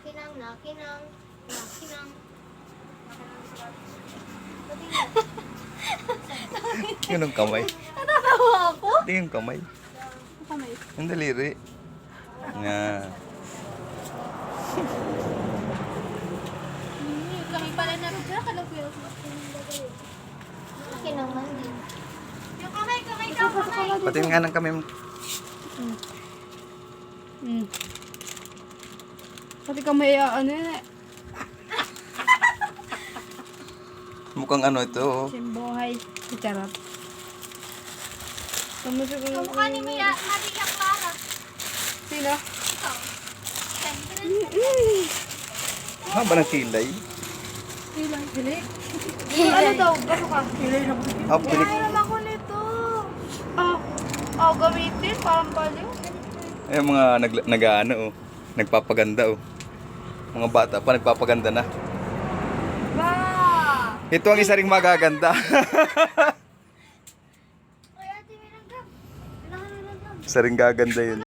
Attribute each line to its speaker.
Speaker 1: nakinang, nakinang, nakinang.
Speaker 2: Yun ang kamay.
Speaker 3: Natatawa ako.
Speaker 2: Hindi yung kamay.
Speaker 3: Kamay.
Speaker 2: Yung daliri. Nga.
Speaker 3: Kami pala na rin dyan. Kalapil.
Speaker 1: Nakinang man din.
Speaker 3: Yung kamay daw, kamay.
Speaker 2: Patingin nga ng kamay mo.
Speaker 3: Pati kamay, ano yun eh.
Speaker 2: Mukhang ano ito. Oh.
Speaker 3: Simbuhay. Charot.
Speaker 1: Kamukha ni Maria Clara.
Speaker 3: Sino?
Speaker 1: Ikaw.
Speaker 2: Haba ng kilay.
Speaker 3: Ilang hili? Ano daw? Gaso ka? Hili na ko.
Speaker 2: Ah, pinik.
Speaker 3: Kailan ako nito? Gamitin. Parang baliw.
Speaker 2: Ay, mga nag-ano oh. Nagpapaganda oh. Mga bata pa nagpapaganda na.
Speaker 3: Ba!
Speaker 2: Ito ang isa ring magaganda. Isa ring gaganda yun.